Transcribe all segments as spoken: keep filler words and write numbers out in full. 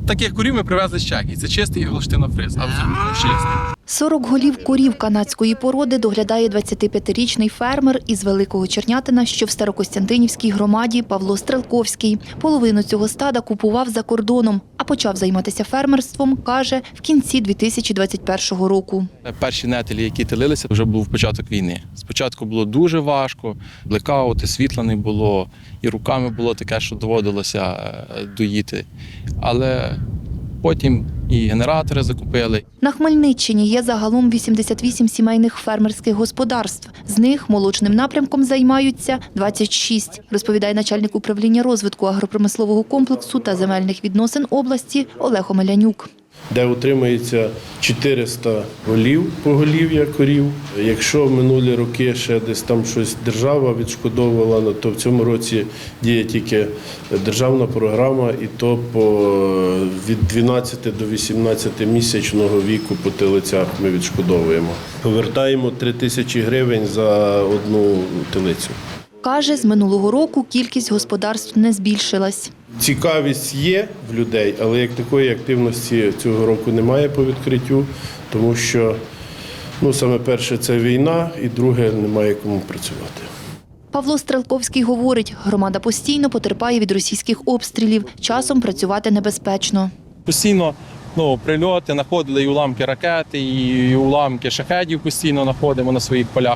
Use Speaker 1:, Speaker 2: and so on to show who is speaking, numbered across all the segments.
Speaker 1: Таких курів ми привезли з Чехії. Це чистий голштинофриз, абсолютно чистий.
Speaker 2: сорок голів корів канадської породи доглядає двадцятип'ятирічний фермер із Великого Чернятина, що в Старокостянтинівській громаді, Павло Стрелковський. Половину цього стада купував за кордоном, а почав займатися фермерством, каже, в кінці дві тисячі двадцять першого року.
Speaker 1: Перші нетелі, які телилися, вже був початок війни. Спочатку було дуже важко, блекаути, світла не було, і руками було таке, що доводилося доїти. Але потім і генератори закупили.
Speaker 2: На Хмельниччині є загалом вісімдесят вісім сімейних фермерських господарств. З них молочним напрямком займаються двадцять шість, розповідає начальник управління розвитку агропромислового комплексу та земельних відносин області Олег Омелянюк.
Speaker 3: Де утримується чотириста голів, поголів'я корів. Якщо в минулі роки ще десь там щось держава відшкодовувала, то в цьому році діє тільки державна програма, і то по від дванадцяти до вісімнадцяти місячного віку по телицях ми відшкодовуємо. Повертаємо три тисячі гривень за одну телицю.
Speaker 2: Каже, з минулого року кількість господарств не збільшилась.
Speaker 3: Цікавість є в людей, але як такої активності цього року немає по відкриттю, тому що, ну, саме перше – це війна, і друге – немає кому працювати.
Speaker 2: Павло Стрелковський говорить, громада постійно потерпає від російських обстрілів, часом працювати небезпечно.
Speaker 1: Постійно ну, прильоти, знаходили і уламки ракети, і уламки шахедів постійно знаходимо на своїх полях.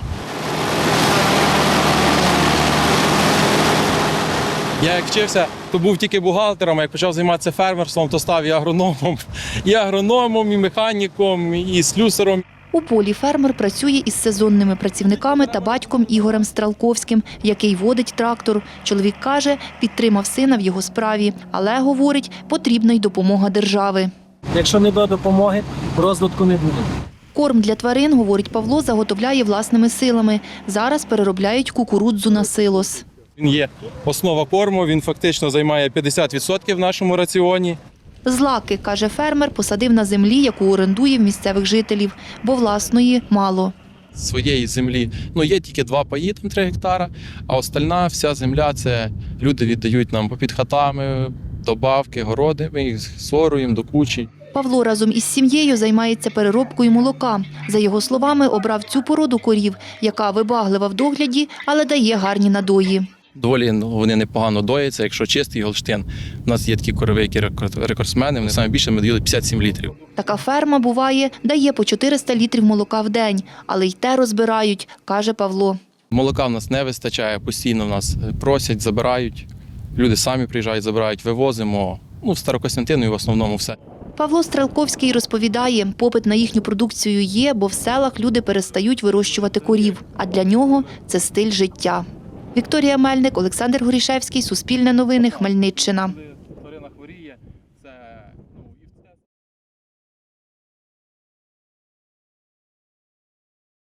Speaker 1: Я як вчився, то був тільки бухгалтером, а як почав займатися фермерством, то став і агрономом, і агрономом, і механіком, і слюсаром.
Speaker 2: У полі фермер працює із сезонними працівниками та батьком Ігорем Стрелковським, який водить трактор. Чоловік каже, підтримав сина в його справі, але, говорить, потрібна й допомога держави.
Speaker 4: Якщо не буде допомоги, розвитку не буде.
Speaker 2: Корм для тварин, говорить Павло, заготовляє власними силами. Зараз переробляють кукурудзу на силос.
Speaker 1: Він є основа корму, він фактично займає п'ятдесят відсотків в нашому раціоні.
Speaker 2: Злаки, каже фермер, посадив на землі, яку орендує в місцевих жителів, бо власної мало.
Speaker 1: Своєї землі ну, є тільки два паї, там три гектара, а остальна вся земля – це люди віддають нам попід хатами, добавки, городи, ми їх соруємо до кучі.
Speaker 2: Павло разом із сім'єю займається переробкою молока. За його словами, обрав цю породу корів, яка вибаглива в догляді, але дає гарні надої.
Speaker 1: Доволі ну, вони непогано дояться, якщо чистий голштин. У нас є такі корови, які рекордсмени, вони саме більше ми доїли п'ятдесят сім літрів.
Speaker 2: Така ферма, буває, дає по чотириста літрів молока в день, але й те розбирають, каже Павло.
Speaker 1: Молока в нас не вистачає, постійно в нас просять, забирають. Люди самі приїжджають, забирають, вивозимо. Ну, в Старокостянтину в основному все.
Speaker 2: Павло Стрелковський розповідає, попит на їхню продукцію є, бо в селах люди перестають вирощувати корів, а для нього це стиль життя. Вікторія Мельник, Олександр Горішевський, Суспільне новини, Хмельниччина.